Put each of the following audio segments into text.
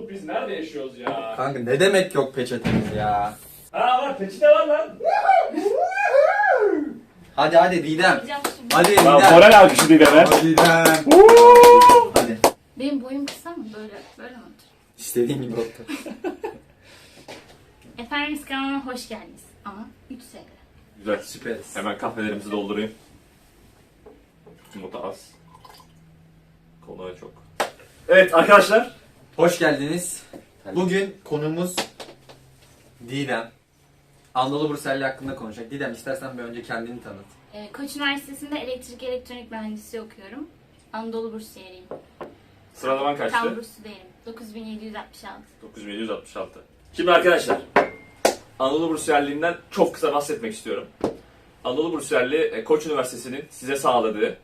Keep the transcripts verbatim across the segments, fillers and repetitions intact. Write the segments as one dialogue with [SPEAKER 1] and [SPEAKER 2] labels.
[SPEAKER 1] Umut biz nerede yaşıyoruz ya?
[SPEAKER 2] Kanka ne demek yok peçetemiz ya?
[SPEAKER 1] Ha var, peçete var lan.
[SPEAKER 2] Hadi hadi Didem.
[SPEAKER 3] Yapacağım şimdi.
[SPEAKER 2] Hadi
[SPEAKER 1] Lan
[SPEAKER 2] Didem.
[SPEAKER 1] moral alkışı değil be.
[SPEAKER 2] Hadi Didem. Hadi.
[SPEAKER 3] Benim boyum kısa mı? Böyle böyle mi otur?
[SPEAKER 2] İstediğin gibi otur.
[SPEAKER 3] Efendim kanalıma hoş geldiniz. Ama üç sene.
[SPEAKER 1] Güzel.
[SPEAKER 2] Süperiz.
[SPEAKER 1] Hemen kahvelerimizi doldurayım. Umut'a az. Konuya çok. Evet arkadaşlar.
[SPEAKER 2] Hoş geldiniz. Bugün konumuz Didem. Anadolu Burselli hakkında konuşacak. Didem istersen bir önce kendini tanıt.
[SPEAKER 3] Ee, Koç Üniversitesi'nde elektrik elektronik mühendisliği okuyorum. Anadolu Bursiyeriyim.
[SPEAKER 1] Sıralaman kaçtı?
[SPEAKER 3] Tam burslu değilim. dokuz bin yedi yüz altmış altı.
[SPEAKER 1] dokuz bin yedi yüz altmış altı. Şimdi arkadaşlar, Anadolu Bursiyerliğinden çok kısa bahsetmek istiyorum. Anadolu Bursiyerliği Koç Üniversitesi'nin size sağladığı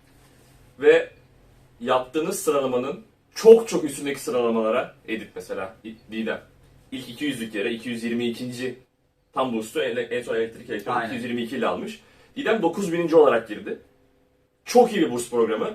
[SPEAKER 1] ve yaptığınız sıralamanın çok çok üstündeki sıralamalara, Edit mesela, Didem, ilk iki yüzlük yere iki yüz yirmi ikinci tam burslu, en son elektrik elektronik iki yüz yirmi iki ile almış. Didem dokuz bininci olarak girdi. Çok iyi bir burs programı.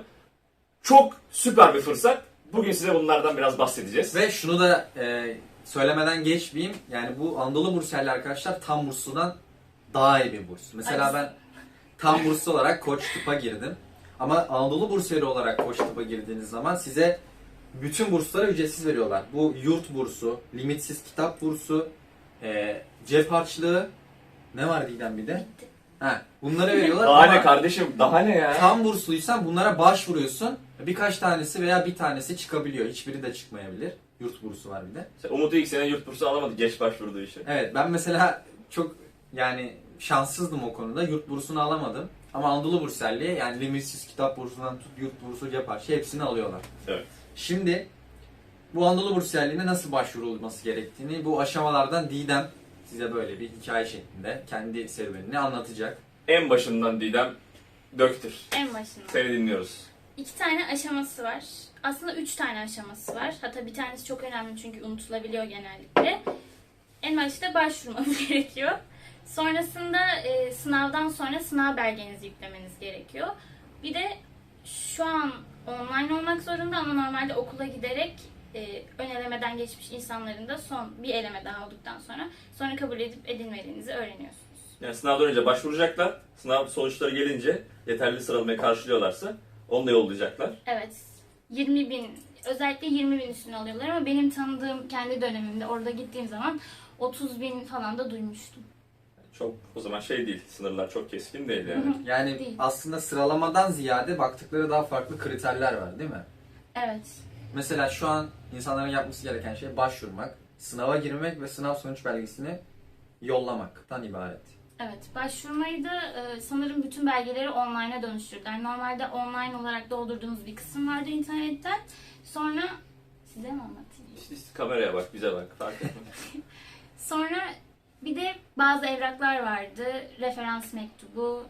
[SPEAKER 1] Çok süper bir fırsat. Bugün size bunlardan biraz bahsedeceğiz.
[SPEAKER 2] Ve şunu da e, söylemeden geçmeyeyim. Yani bu Anadolu Burselli arkadaşlar tam bursludan daha iyi bir burs. Mesela
[SPEAKER 3] Ay.
[SPEAKER 2] ben tam burslu olarak Koç Tıp'a girdim. Ama Anadolu Bursiyeri olarak Koç Tıp'a girdiğiniz zaman size bütün bursları ücretsiz veriyorlar. Bu yurt bursu, limitsiz kitap bursu, e, cep harçlığı, ne var Didem bir de?
[SPEAKER 3] Bitti.
[SPEAKER 2] Ha, bunları veriyorlar
[SPEAKER 1] Daha
[SPEAKER 2] ama
[SPEAKER 1] ne kardeşim? Daha ne ya?
[SPEAKER 2] tam bursluysan bunlara başvuruyorsun. Birkaç tanesi veya bir tanesi çıkabiliyor. Hiçbiri de çıkmayabilir. Yurt bursu var bir de.
[SPEAKER 1] Sen Umut'u ilk sene yurt bursu alamadı. Geç başvurduğu için.
[SPEAKER 2] Evet, ben mesela çok yani şanssızdım o konuda. Yurt bursunu alamadım. Ama Anadolu Burselli'ye yani limitsiz kitap bursundan tut yurt bursu yapar. Şey hepsini alıyorlar.
[SPEAKER 1] Evet.
[SPEAKER 2] Şimdi bu Anadolu Burselliğine nasıl başvurulması gerektiğini bu aşamalardan Didem size böyle bir hikaye şeklinde kendi serüvenini anlatacak.
[SPEAKER 1] En başından Didem döktür.
[SPEAKER 3] En başında.
[SPEAKER 1] Seni dinliyoruz.
[SPEAKER 3] İki tane aşaması var. Aslında üç tane aşaması var. Hatta bir tanesi çok önemli çünkü unutulabiliyor genellikle. En başta başvurmanız gerekiyor. Sonrasında e, sınavdan sonra sınav belgenizi yüklemeniz gerekiyor. Bir de şu an online olmak zorunda ama normalde okula giderek e, ön elemeden geçmiş insanların da son bir eleme daha olduktan sonra sonra kabul edip edilmediğinizi öğreniyorsunuz.
[SPEAKER 1] Yani sınavdan önce başvuracaklar. Sınav sonuçları gelince yeterli sıralamayı karşılıyorlarsa onu da yollayacaklar.
[SPEAKER 3] Evet. yirmi bin, özellikle yirmi bin üstüne alıyorlar ama benim tanıdığım kendi dönemimde orada gittiğim zaman otuz bin falan da duymuştum.
[SPEAKER 1] Çok o zaman şey değil. Sınırlar çok keskin değil yani.
[SPEAKER 2] Yani
[SPEAKER 3] Değil.
[SPEAKER 2] aslında sıralamadan ziyade baktıkları daha farklı kriterler var değil mi?
[SPEAKER 3] Evet.
[SPEAKER 2] Mesela şu an insanların yapması gereken şey başvurmak, sınava girmek ve sınav sonuç belgesini yollamaktan ibaret.
[SPEAKER 3] Evet. Başvurmayı da e, sanırım bütün belgeleri online'a dönüştürdüler. Normalde online olarak doldurduğunuz bir kısım vardı internetten. Sonra size mi anlatayım?
[SPEAKER 1] İşte, işte kameraya bak, bize bak. Fark etmez.
[SPEAKER 3] Sonra bir de bazı evraklar vardı. Referans mektubu.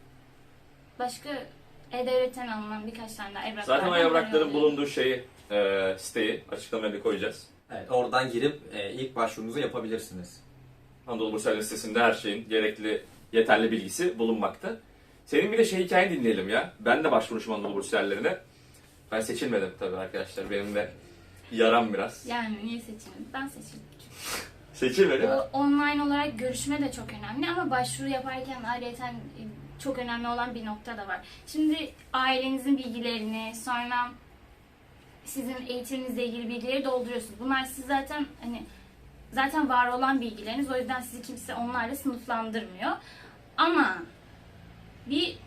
[SPEAKER 3] Başka E-Devlet'ten alınan birkaç tane daha evraklar.
[SPEAKER 1] Zaten o evrakların bulunduğu şeyi, e, siteyi açıklamaya da koyacağız.
[SPEAKER 2] Evet, oradan girip e, ilk başvurunuzu yapabilirsiniz.
[SPEAKER 1] Anadolu Burselli sitesinde her şeyin gerekli, yeterli bilgisi bulunmakta. Senin bir de şey hikayeni dinleyelim ya. Ben de başvurmuşum Anadolu Bursellilerine. Ben seçilmedim tabii arkadaşlar. Benim de yaram biraz.
[SPEAKER 3] Yani niye seçilmedi? Ben seçildim.
[SPEAKER 1] Seçilmedi mi?
[SPEAKER 3] Bu online olarak görüşme de çok önemli ama başvuru yaparken ayrıca çok önemli olan bir nokta da var. Şimdi ailenizin bilgilerini, sonra sizin eğitiminizle ilgili bilgileri dolduruyorsunuz. Bunlar siz zaten hani zaten var olan bilgileriniz. O yüzden sizi kimse onlarla sınıflandırmıyor. Ama bir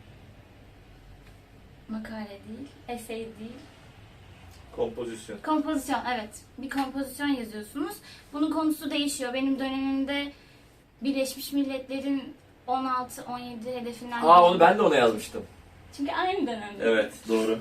[SPEAKER 3] makale değil, essay değil.
[SPEAKER 1] Kompozisyon.
[SPEAKER 3] Kompozisyon, evet. Bir kompozisyon yazıyorsunuz. Bunun konusu değişiyor. Benim dönemimde Birleşmiş Milletler'in on altı on yedi hedefinden...
[SPEAKER 1] Aa onu ben de ona yazmıştım.
[SPEAKER 3] Çünkü aynı dönemde.
[SPEAKER 1] Evet doğru.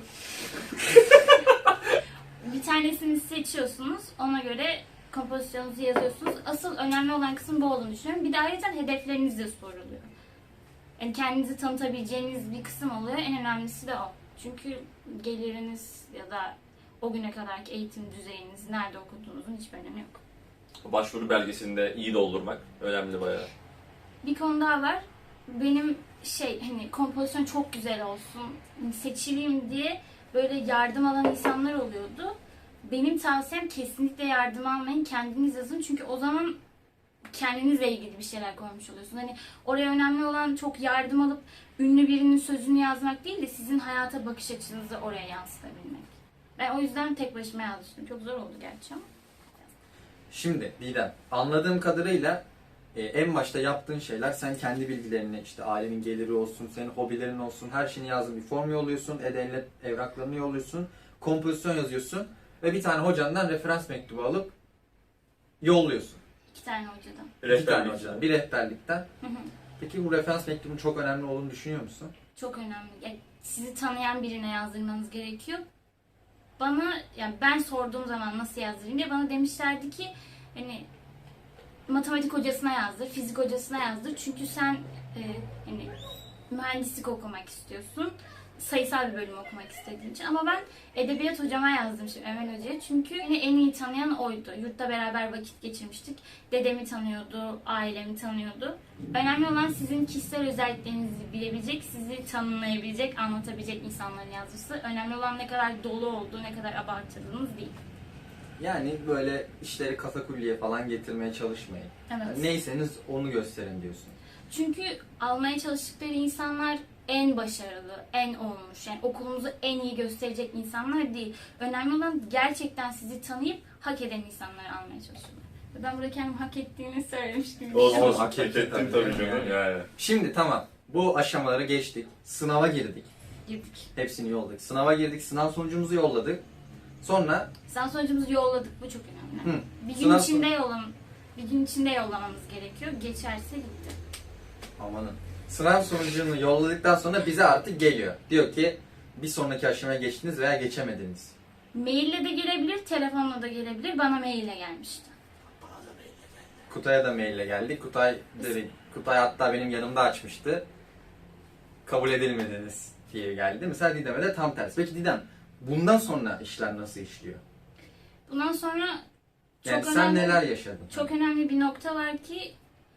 [SPEAKER 3] Bir tanesini seçiyorsunuz. Ona göre kompozisyonunuzu yazıyorsunuz. Asıl önemli olan kısım bu olduğunu düşünüyorum. Bir de ayrıca hedefleriniz de soruluyor. Yani kendinizi tanıtabileceğiniz bir kısım oluyor. En önemlisi de o. Çünkü geliriniz ya da o güne kadarki eğitim düzeyiniz, nerede okuduğunuzun hiçbir önemi yok.
[SPEAKER 1] Başvuru belgesini de iyi doldurmak önemli bayağı.
[SPEAKER 3] Bir konu daha var. Benim şey hani kompozisyon çok güzel olsun, hani seçileyim diye böyle yardım alan insanlar oluyordu. benim tavsiyem kesinlikle yardım almayın. Kendiniz yazın. Çünkü o zaman kendinizle ilgili bir şeyler koymuş oluyorsun. Hani oraya önemli olan çok yardım alıp ünlü birinin sözünü yazmak değil de sizin hayata bakış açınızı oraya yansıtabilmek. Ben o yüzden tek başıma yazmıştım. Çok zor oldu gerçi ama.
[SPEAKER 2] Şimdi Didem, anladığım kadarıyla e, en başta yaptığın şeyler, sen kendi bilgilerini, işte ailenin geliri olsun, senin hobilerin olsun, her şeyini yazdın, bir form yolluyorsun, e-devlet evraklarını yolluyorsun, kompozisyon yazıyorsun ve bir tane hocandan referans mektubu alıp yolluyorsun.
[SPEAKER 3] İki tane hocadan.
[SPEAKER 2] İki tane
[SPEAKER 1] Rehberlik.
[SPEAKER 2] hocadan, bir rehberlikten.
[SPEAKER 3] Hı hı.
[SPEAKER 2] Peki bu referans mektubunun çok önemli olduğunu düşünüyor musun?
[SPEAKER 3] Çok önemli. Yani sizi tanıyan birine yazdırmanız gerekiyor. Bana, yani ben sorduğum zaman nasıl yazdırayım diye bana demişlerdi ki hani matematik hocasına yazdır, fizik hocasına yazdır. Çünkü sen e, hani mühendislik okumak istiyorsun. Sayısal bir bölüm okumak istediğin için. Ama ben edebiyat hocama yazdım şimdi Emel Hoca'ya. Çünkü beni en iyi tanıyan oydu. Yurtta beraber vakit geçirmiştik. Dedemi tanıyordu, ailemi tanıyordu. Önemli olan sizin kişisel özelliklerinizi bilebilecek, sizi tanımlayabilecek, anlatabilecek insanların yazması. Önemli olan ne kadar dolu olduğu, ne kadar abartıldığınız değil.
[SPEAKER 2] Yani böyle işleri katakulliye falan getirmeye çalışmayın.
[SPEAKER 3] Evet.
[SPEAKER 2] Yani neyseniz onu gösterin diyorsun.
[SPEAKER 3] Çünkü almaya çalıştıkları insanlar en başarılı, en olmuş, yani okulunuzu en iyi gösterecek insanlar değil. Önemli olan gerçekten sizi tanıyıp hak eden insanları almaya çalışıyorlar. Ve ben burada kendim hak ettiğini söylemiş gibi.
[SPEAKER 1] Olsun
[SPEAKER 2] Evet,
[SPEAKER 1] olsun.
[SPEAKER 2] hak
[SPEAKER 1] Hak
[SPEAKER 2] ettin
[SPEAKER 1] ettin
[SPEAKER 2] tabii
[SPEAKER 1] tabii
[SPEAKER 2] canım
[SPEAKER 1] canım. Yani.
[SPEAKER 2] Şimdi tamam, bu aşamaları geçtik. Sınava girdik.
[SPEAKER 3] Girdik.
[SPEAKER 2] Hepsini yolladık. Sınava girdik, sınav sonucumuzu yolladık. Sonra
[SPEAKER 3] Sen sonucumuzu yolladık, bu çok önemli.
[SPEAKER 2] Hı.
[SPEAKER 3] Bir gün
[SPEAKER 2] Sınav
[SPEAKER 3] içinde yollam bir gün içinde yollamamız gerekiyor. Geçerse gitti.
[SPEAKER 2] amanın. Sınav sonucunu yolladıktan sonra bize artık geliyor. Diyor ki bir sonraki aşamaya geçtiniz veya geçemediniz.
[SPEAKER 3] Maille de gelebilir, telefonla da gelebilir. Bana maille gelmişti.
[SPEAKER 2] Kutay'a da maille geldi. Kutay dedi, Kutay hatta benim yanımda açmıştı. Kabul edilmediniz diye geldi. Mesela Didem'e de tam tersi. Peki Didem, bundan sonra işler nasıl işliyor?
[SPEAKER 3] Bundan sonra çok
[SPEAKER 2] Yani sen
[SPEAKER 3] önemli,
[SPEAKER 2] neler yaşadın?
[SPEAKER 3] çok önemli bir nokta var ki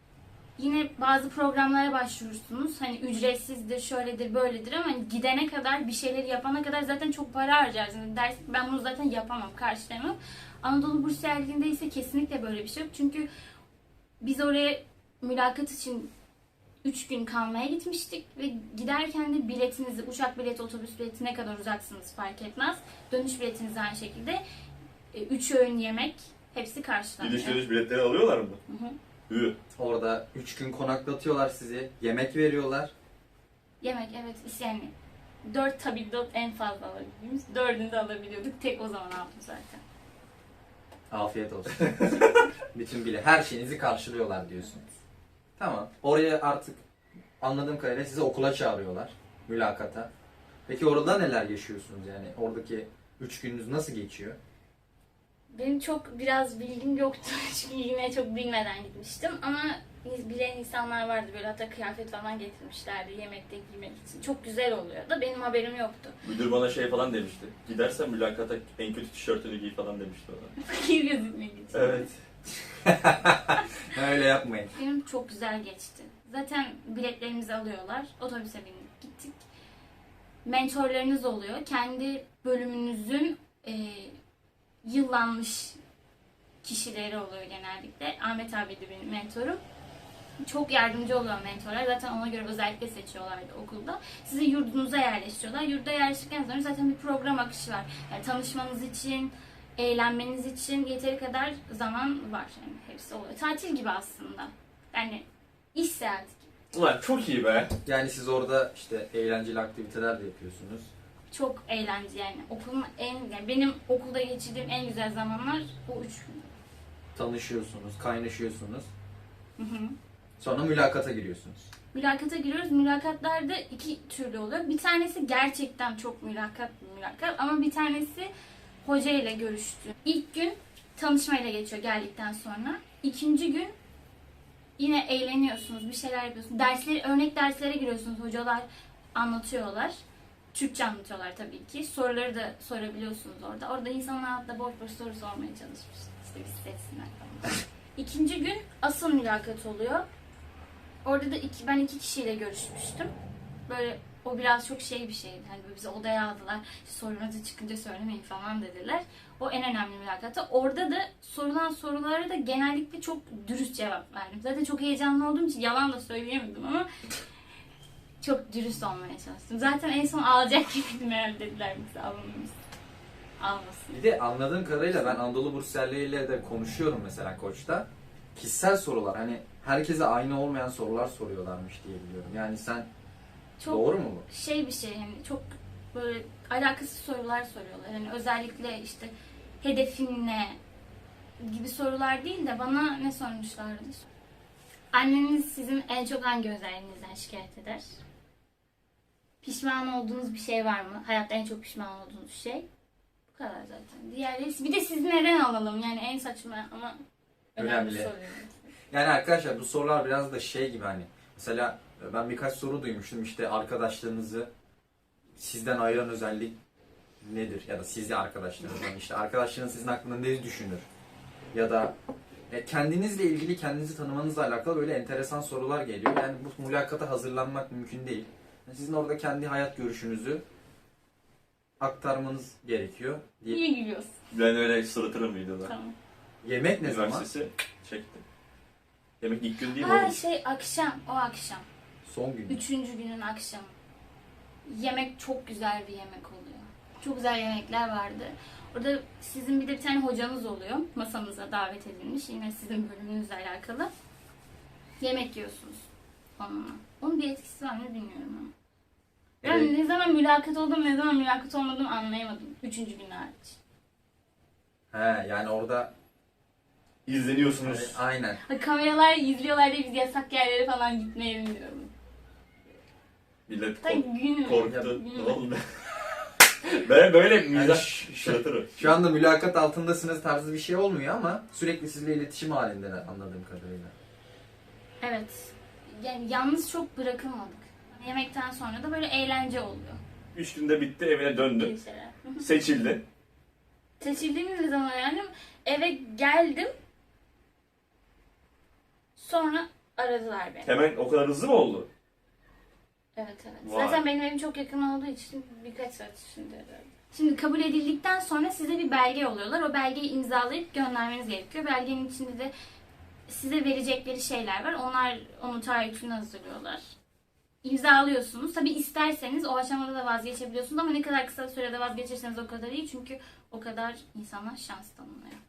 [SPEAKER 3] yine bazı programlara başvurursunuz. Hani ücretsizdir, şöyledir, böyledir ama hani gidene kadar, bir şeyleri yapana kadar zaten çok para harcarsınız. Dersin ki ben bunu zaten yapamam, karşılayamam. Anadolu Bursiyerliğinde ise kesinlikle böyle bir şey yok. Çünkü biz oraya mülakat için üç gün kalmaya gitmiştik ve giderken de biletinizi, uçak bileti, otobüs bileti ne kadar uzaksınız fark etmez. Dönüş biletiniz aynı şekilde. üç öğün yemek hepsi karşılanıyor.
[SPEAKER 1] Gidiş dönüş biletleri alıyorlar mı?
[SPEAKER 3] Hı hı.
[SPEAKER 1] Hı.
[SPEAKER 2] Orada üç gün konaklatıyorlar sizi. Yemek veriyorlar.
[SPEAKER 3] Yemek, evet, yani dört tabildot en fazla alabildiğimiz, dördünü de alabiliyorduk. Tek o zaman aldım zaten.
[SPEAKER 2] Afiyet olsun. Bütün bile her şeyinizi karşılıyorlar diyorsun. Tamam. Oraya artık anladığım kadarıyla sizi okula çağırıyorlar. Mülakata. Peki orada neler yaşıyorsunuz yani? Oradaki üç gününüz nasıl geçiyor?
[SPEAKER 3] Benim çok biraz bilgim yoktu çünkü yine çok bilmeden gitmiştim ama bilen insanlar vardı, böyle hatta kıyafet falan getirmişlerdi yemekte giymek için. Çok güzel oluyor da benim haberim yoktu.
[SPEAKER 1] Müdür bana şey falan demişti. Gidersen mülakata en kötü tişörtünü giy falan demişti bana.
[SPEAKER 3] Fakir gözükmek için.
[SPEAKER 1] Evet.
[SPEAKER 2] Öyle yapmayın.
[SPEAKER 3] Benim çok güzel geçti. Zaten biletlerimizi alıyorlar. Otobüse bindik gittik. Mentorlarınız oluyor. Kendi bölümünüzün e, yıllanmış kişileri oluyor genellikle. Ahmet abi de benim mentorum. Çok yardımcı oluyor mentorlar. Zaten ona göre özellikle seçiyorlardı okulda. Sizi yurdunuza yerleştiriyorlar. Yurda yerleştikten sonra zaten bir program akışı var. Yani tanışmanız için, eğlenmeniz için yeteri kadar zaman var. Yani hepsi oluyor. Tatil gibi aslında. Yani iş seyahati gibi.
[SPEAKER 1] Ulan çok iyi be.
[SPEAKER 2] Yani siz orada işte eğlenceli aktiviteler de yapıyorsunuz.
[SPEAKER 3] Çok eğlenceli yani. Okulun en, yani benim okulda geçirdiğim en güzel zamanlar o üç gün.
[SPEAKER 2] Tanışıyorsunuz, kaynaşıyorsunuz.
[SPEAKER 3] Hı hı.
[SPEAKER 2] Sonra mülakata giriyorsunuz.
[SPEAKER 3] Mülakata giriyoruz. Mülakatlar da iki türlü oluyor. Bir tanesi gerçekten çok mülakat bir mülakat ama bir tanesi hoca ile görüştü. İlk gün tanışmayla geçiyor geldikten sonra. İkinci gün yine eğleniyorsunuz, bir şeyler yapıyorsunuz. Dersleri, örnek derslere giriyorsunuz. Hocalar anlatıyorlar. Türkçe anlatıyorlar tabii ki. Soruları da sorabiliyorsunuz orada. Orada insanlar hatta boş boş soru sormaya çalışmış. İşte biz seçsinler falan. İkinci gün asıl mülakat oluyor. Orada da iki, ben iki kişiyle görüşmüştüm. Böyle O biraz çok şey bir şeydi. Hani böyle bizi odaya aldılar. Sorunuzu çıkınca söylemeyin falan dediler. O en önemli mülakattı. Orada da sorulan sorulara da genellikle çok dürüst cevap verdim. Zaten çok heyecanlı olduğum için yalan da söyleyemedim ama çok dürüst olmaya çalıştım. Zaten en son alacak gibiydim herhalde, dediler bizi almamız. Almasın.
[SPEAKER 2] Bir de anladığım kadarıyla ben Anadolu bursiyerleriyle de konuşuyorum mesela Koç'ta. Kişisel sorular, hani herkese aynı olmayan sorular soruyorlarmış diye biliyorum. Yani sen
[SPEAKER 3] Çok
[SPEAKER 2] doğru mu bu?
[SPEAKER 3] şey bir şey, hani çok böyle alakasız sorular soruyorlar. Hani özellikle işte hedefin ne gibi sorular değil de bana ne sormuşlardı? Anneniz sizin en çok hangi özelliğinizden şikayet eder? Pişman olduğunuz bir şey var mı? Hayatta en çok pişman olduğunuz şey. Bu kadar zaten. Diğerleri, bir de sizi neden alalım? Yani en saçma ama önemli,
[SPEAKER 2] Önemli.
[SPEAKER 3] soru.
[SPEAKER 2] Yani arkadaşlar bu sorular biraz da şey gibi, hani mesela ben birkaç soru duymuştum, işte arkadaşlarınızı sizden ayıran özellik nedir? Ya da sizi arkadaşlarınızdan, işte arkadaşlarınız sizin hakkında ne düşünür? Ya da e, kendinizle ilgili, kendinizi tanımanızla alakalı böyle enteresan sorular geliyor. Yani bu mülakata hazırlanmak mümkün değil. Yani sizin orada kendi hayat görüşünüzü aktarmanız gerekiyor diye.
[SPEAKER 3] Niye gülüyorsun?
[SPEAKER 1] Ben öyle sırıtırım videoda.
[SPEAKER 3] Tamam.
[SPEAKER 2] Yemek ne zaman?
[SPEAKER 1] Üniversitesi çektim. Yemek ilk gün değil mi
[SPEAKER 3] Ha
[SPEAKER 1] oğlum?
[SPEAKER 3] şey akşam, o akşam.
[SPEAKER 2] Son gün.
[SPEAKER 3] Üçüncü günün akşamı. Yemek çok güzel bir yemek oluyor. Çok güzel yemekler vardı. Orada sizin bir de bir tane hocanız oluyor. Masamıza davet edilmiş. Yine sizin bölümünüzle alakalı. Yemek yiyorsunuz onunla. Onun bir etkisi var mı bilmiyorum ama. Ben
[SPEAKER 2] Evet.
[SPEAKER 3] ne zaman mülakat oldum, ne zaman mülakat olmadım anlayamadım. Üçüncü gün hariç.
[SPEAKER 2] He, yani orada
[SPEAKER 1] İzleniyorsunuz.
[SPEAKER 2] hani, aynen.
[SPEAKER 3] Ha, kameralar izliyorlar diye biz yasak yerlere falan gitmeyelim diyorum.
[SPEAKER 1] Millet
[SPEAKER 3] Tabii
[SPEAKER 1] kork-
[SPEAKER 3] gün
[SPEAKER 1] korktu.
[SPEAKER 3] gün-
[SPEAKER 1] Ne oldu? Ben böyle
[SPEAKER 2] Yani
[SPEAKER 1] mizah
[SPEAKER 2] ş-
[SPEAKER 1] sırıtırım.
[SPEAKER 2] Şu anda mülakat altındasınız tarzı bir şey olmuyor ama sürekli sizle iletişim halindeler anladığım kadarıyla.
[SPEAKER 3] Evet. Yani yalnız çok bırakılmadık. Yemekten sonra da böyle eğlence oluyor.
[SPEAKER 1] Üç günde bitti, evine döndün.
[SPEAKER 3] Bir şeyler.
[SPEAKER 1] Seçildin.
[SPEAKER 3] Seçildiğimiz zaman yani eve geldim. Sonra aradılar beni.
[SPEAKER 1] Hemen o kadar hızlı mı oldu?
[SPEAKER 3] Evet evet.
[SPEAKER 1] Vay.
[SPEAKER 3] Zaten benim evim çok yakın olduğu için birkaç saat içinde herhalde. Şimdi kabul edildikten sonra size bir belge yolluyorlar. O belgeyi imzalayıp göndermeniz gerekiyor. Belgenin içinde de size verecekleri şeyler var. Onlar onun taahhütünü hazırlıyorlar. İmzalıyorsunuz. Tabii isterseniz o aşamada da vazgeçebiliyorsunuz ama ne kadar kısa sürede vazgeçirseniz o kadar iyi. Çünkü o kadar insana şans tanınıyor.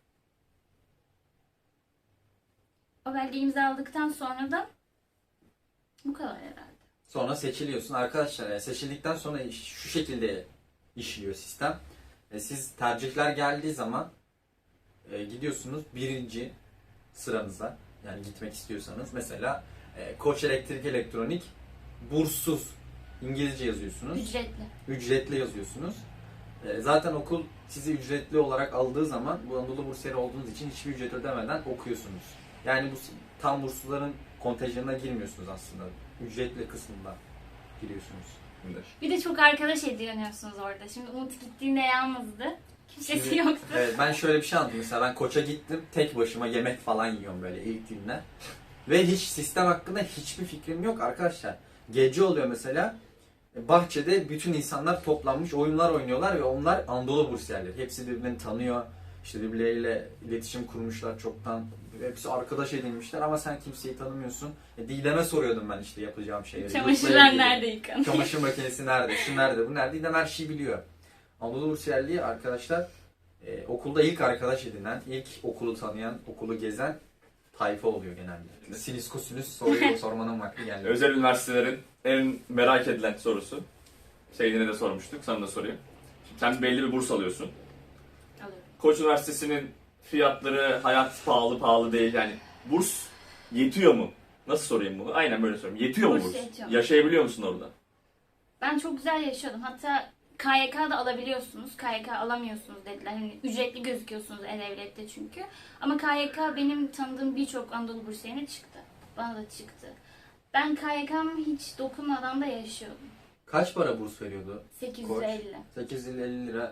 [SPEAKER 3] O belgeyi imzaladıktan sonra da bu kadar herhalde.
[SPEAKER 2] Sonra seçiliyorsun. Arkadaşlar yani seçildikten sonra iş- şu şekilde işliyor sistem. E, siz tercihler geldiği zaman e, gidiyorsunuz birinci sıranıza. Yani gitmek istiyorsanız. Mesela e, Koç Elektrik Elektronik burssuz. İngilizce yazıyorsunuz.
[SPEAKER 3] Ücretli.
[SPEAKER 2] Ücretli yazıyorsunuz. E, zaten okul sizi ücretli olarak aldığı zaman bu Anadolu bursiyeri olduğunuz için hiçbir ücret ödemeden okuyorsunuz. Yani bu s- tam bursluların kontenjanına girmiyorsunuz aslında. Ücretli kısmında giriyorsunuz.
[SPEAKER 3] Bir de çok arkadaş ediniyorsunuz orada. Şimdi Umut gittiğinde yalnızdı. Kimsesi
[SPEAKER 2] Şimdi,
[SPEAKER 3] yoktu.
[SPEAKER 2] evet, ben şöyle bir şey anlattım. Mesela ben Koç'a gittim. Tek başıma yemek falan yiyorum böyle ilk günler. Ve hiç sistem hakkında hiçbir fikrim yok arkadaşlar. Gece oluyor mesela. Bahçede bütün insanlar toplanmış oyunlar oynuyorlar ve onlar Anadolu bursiyerleri. Hepsi birbirini tanıyor. İşte birbirleriyle iletişim kurmuşlar çoktan. Hepsi arkadaş edinmişler ama sen kimseyi tanımıyorsun. E, Didem'e soruyordum ben işte yapacağım şeyleri.
[SPEAKER 3] Çamaşırlar
[SPEAKER 2] Yurtla ilgili.
[SPEAKER 3] nerede yıkanıyor?
[SPEAKER 2] Çamaşır makinesi nerede, şu nerede, bu nerede? Didem her şeyi biliyor. Anadolu bursiyerliği arkadaşlar e, okulda ilk arkadaş edinen, ilk okulu tanıyan, okulu gezen tayfa oluyor genelde. Sinüs kosinüs soruyu sormanın vakti geldi.
[SPEAKER 1] Özel üniversitelerin en merak edilen sorusu. Seydin'e de sormuştuk, sana da sorayım. Şimdi sen belli bir burs alıyorsun.
[SPEAKER 3] Alıyorum.
[SPEAKER 1] Koç Üniversitesi'nin fiyatları hayat pahalı pahalı değil yani. Burs yetiyor mu? Nasıl sorayım bunu? Aynen böyle sorayım. Yetiyor mu
[SPEAKER 3] Burs
[SPEAKER 1] burs?
[SPEAKER 3] yetiyor.
[SPEAKER 1] Yaşayabiliyor musun orada?
[SPEAKER 3] Ben çok güzel yaşıyordum. Hatta K Y K'da alabiliyorsunuz. K Y K alamıyorsunuz dediler. Hani ücretli gözüküyorsunuz E-Devlet'te çünkü. Ama K Y K benim tanıdığım birçok Anadolu bursiyerine çıktı. Bana da çıktı. Ben K Y K'm hiç dokunmadan da yaşıyordum.
[SPEAKER 2] Kaç para burs veriyordu?
[SPEAKER 3] sekiz yüz elli.
[SPEAKER 2] sekiz yüz elli lira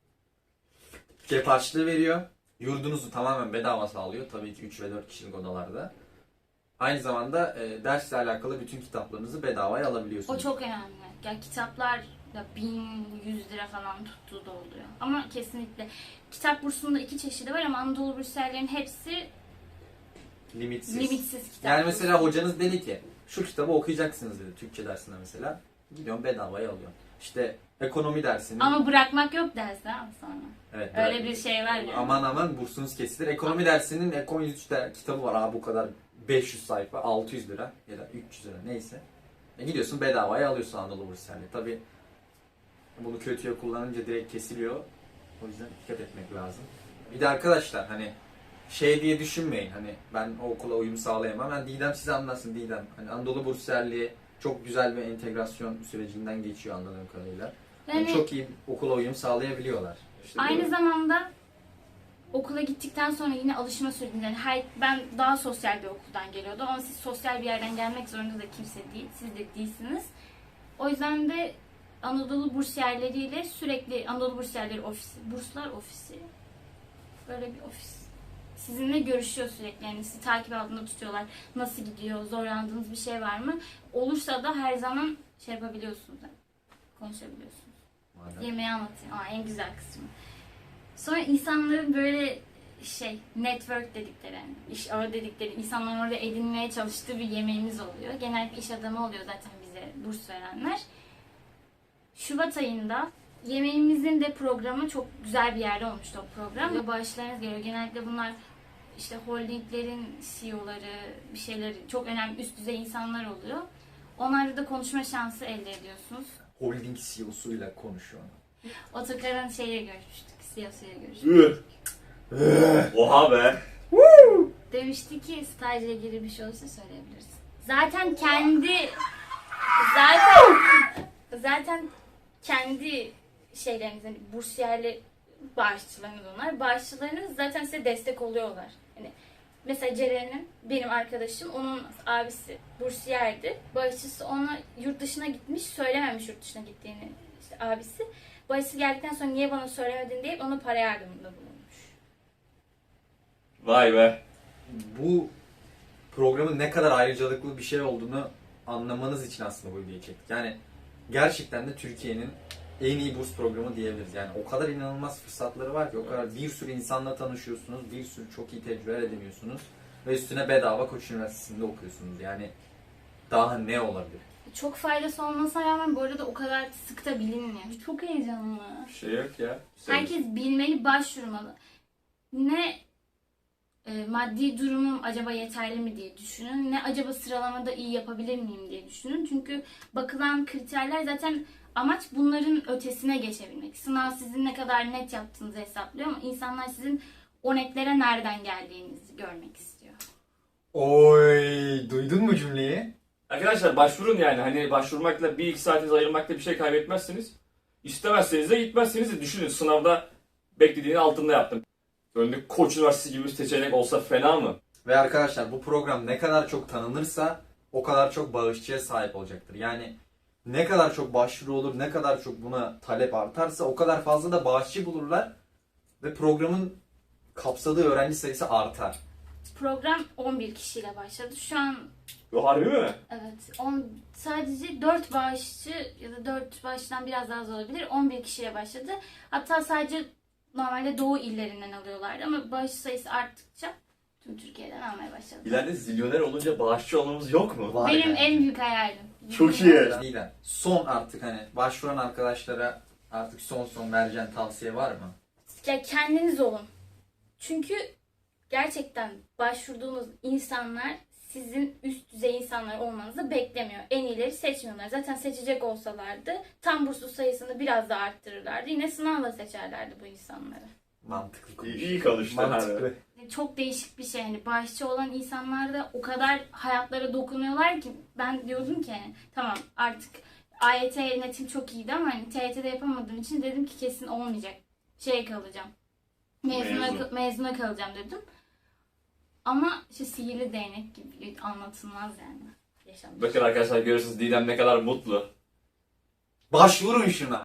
[SPEAKER 2] cep harçlığı veriyor. Yurdunuzu tamamen bedava sağlıyor. Tabii ki üç ve dört kişilik odalarda. Aynı zamanda e, dersle alakalı bütün kitaplarınızı bedavaya alabiliyorsunuz.
[SPEAKER 3] O çok önemli. Ya kitaplar da bin yüz lira falan tuttuğu da oluyor. Ama kesinlikle kitap bursunda iki çeşidi var ama Anadolu bursiyerlerin hepsi
[SPEAKER 2] Limitsiz.
[SPEAKER 3] limitsiz kitap.
[SPEAKER 2] Yani mesela
[SPEAKER 3] bursu.
[SPEAKER 2] hocanız dedi ki şu kitabı okuyacaksınız dedi Türkçe dersinde mesela. Gidiyorsun bedavaya alıyorsun. İşte ekonomi dersini.
[SPEAKER 3] Ama bırakmak yok dersi ha sonra.
[SPEAKER 2] Evet,
[SPEAKER 3] Öyle
[SPEAKER 2] bırak-
[SPEAKER 3] bir şey var yani.
[SPEAKER 2] Aman aman bursunuz kesilir. Ekonomi dersinin Ekon yüz üç de kitabı var abi bu kadar beş yüz sayfa altı yüz lira ya da üç yüz lira neyse. E gidiyorsun bedavaya alıyorsun Anadolu bursiyerliği. Tabi bunu kötüye kullanınca direkt kesiliyor. O yüzden dikkat etmek lazım. Bir de arkadaşlar hani şey diye düşünmeyin hani ben o okula uyum sağlayamam. Ben Didem size anlatsın Didem. Hani Anadolu bursiyerliği çok güzel bir entegrasyon sürecinden geçiyor anladığım kadarıyla. Yani
[SPEAKER 3] Yani
[SPEAKER 2] çok iyi okula uyum sağlayabiliyorlar.
[SPEAKER 1] İşte
[SPEAKER 3] aynı
[SPEAKER 1] böyle.
[SPEAKER 3] zamanda okula gittikten sonra yine alışma sürecinde yani her, ben daha sosyal bir okuldan geliyordum ama siz sosyal bir yerden gelmek zorunda da kimse değil. Siz de değilsiniz. O yüzden de Anadolu bursiyerleriyle sürekli Anadolu bursiyerleri ofisi, burslar ofisi böyle bir ofis. Sizinle görüşüyor sürekli yani sizi takip altında tutuyorlar. Nasıl gidiyor, zorlandığınız bir şey var mı? Olursa da her zaman şey yapabiliyorsunuz. Yani, konuşabiliyorsunuz.
[SPEAKER 2] Madem.
[SPEAKER 3] Yemeği anlatayım. Aa, en güzel kısmı. Sonra insanların böyle şey network dedikleri, yani iş ağı dedikleri insanların orada edinmeye çalıştığı bir yemeğimiz oluyor. Genellikle iş adamı oluyor zaten bize burs verenler. Şubat ayında yemeğimizin de programı çok güzel bir yerde olmuştu o program. Ve bağışlarınız geliyor. Genellikle bunlar işte holdinglerin C E O'ları, bir şeyleri çok önemli üst düzey insanlar oluyor. Onlarla da konuşma şansı elde ediyorsunuz.
[SPEAKER 2] Holding C E O'suyla konuşuyor.
[SPEAKER 3] Otokar'ın şeyle görüşmüştük, C E O'suyla görüşmüştük.
[SPEAKER 1] Oha be.
[SPEAKER 3] Demişti ki stajla ilgili bir şey olursa söyleyebilirsin. Zaten kendi zaten zaten kendi şeyleriniz hani bursiyerli bağışçılarınız onlar. Bağışçılarınız zaten size destek oluyorlar. Hani mesela Ceren'in benim arkadaşım onun abisi bursiyerdi. Bağışçısı ona yurt dışına gitmiş söylememiş yurt dışına gittiğini işte abisi. Bağışçısı geldikten sonra niye bana söylemedin deyip ona para yardımında bulunmuş.
[SPEAKER 1] Vay be.
[SPEAKER 2] Bu programın ne kadar ayrıcalıklı bir şey olduğunu anlamanız için aslında bu videoyu çektik. Yani gerçekten de Türkiye'nin en iyi burs programı diyebiliriz. Yani o kadar inanılmaz fırsatları var ki o kadar bir sürü insanla tanışıyorsunuz, bir sürü çok iyi tecrübe ediniyorsunuz ve üstüne bedava Koç Üniversitesi'nde okuyorsunuz. Yani daha ne olabilir?
[SPEAKER 3] Çok faydası olmasına rağmen bu arada o kadar sık da bilinmiyor. Çok heyecanlı.
[SPEAKER 1] Bir şey yok ya.
[SPEAKER 3] Herkes bilmeli, başvurmalı. Ne e, maddi durumum acaba yeterli mi diye düşünün. Ne acaba sıralamada iyi yapabilir miyim diye düşünün. Çünkü bakılan kriterler zaten amaç bunların ötesine geçebilmek. Sınav sizin ne kadar net yaptığınızı hesaplıyor ama insanlar sizin o netlere nereden geldiğinizi görmek istiyor.
[SPEAKER 2] Oy, duydun mu cümleyi?
[SPEAKER 1] Arkadaşlar başvurun yani. Hani başvurmakla bir iki saatinizi ayırmakla bir şey kaybetmezsiniz. İstemezseniz de gitmezseniz de düşünün. Sınavda beklediğinin altında yaptım. Önünde Koç Üniversitesi gibi bir seçenek olsa fena mı?
[SPEAKER 2] Ve arkadaşlar bu program ne kadar çok tanınırsa o kadar çok bağışçıya sahip olacaktır. Yani ne kadar çok başvuru olur, ne kadar çok buna talep artarsa o kadar fazla da bağışçı bulurlar ve programın kapsadığı öğrenci sayısı artar.
[SPEAKER 3] Program on bir kişiyle başladı. Şu an
[SPEAKER 1] Bu harbi mi?
[SPEAKER 3] evet on, sadece dört bağışçı ya da dört bağışçıdan biraz daha az olabilir. on bir kişiyle başladı. Hatta sadece normalde doğu illerinden alıyorlardı ama bağış sayısı arttıkça tüm Türkiye'den almaya başladı.
[SPEAKER 1] İleride zilyoner olunca bağışçı olmamız yok mu?
[SPEAKER 2] Var
[SPEAKER 3] Benim
[SPEAKER 2] yani.
[SPEAKER 3] en büyük hayalim.
[SPEAKER 1] Çok iyi.
[SPEAKER 2] Neden? Son artık hani başvuran arkadaşlara artık son son vereceğin tavsiye var mı?
[SPEAKER 3] Ya kendiniz olun. Çünkü gerçekten başvurduğunuz insanlar sizin üst düzey insanlar olmanızı beklemiyor. En iyileri seçmiyorlar. Zaten seçecek olsalardı tam burslu sayısını biraz daha arttırırlardı. Yine sınavla seçerlerdi bu insanları.
[SPEAKER 2] Mantıklı
[SPEAKER 1] İyi,
[SPEAKER 2] konuş.
[SPEAKER 1] iyi konuştun
[SPEAKER 2] Mantıklı.
[SPEAKER 1] abi.
[SPEAKER 3] Çok değişik bir şey. Hani bağışçı olan insanlar da o kadar hayatlara dokunuyorlar ki ben diyordum ki hani, tamam artık A Y T netim çok iyiydi ama hani T Y T'de yapamadığım için dedim ki kesin olmayacak. Şeye kalacağım. Mezuna,
[SPEAKER 1] Mezun.
[SPEAKER 3] mezuna kalacağım dedim. Ama işte sihirli değnek gibi anlatılmaz yani. Yaşanmış.
[SPEAKER 1] Bakın arkadaşlar görüyorsunuz Didem ne kadar mutlu.
[SPEAKER 2] Başvurun şuna.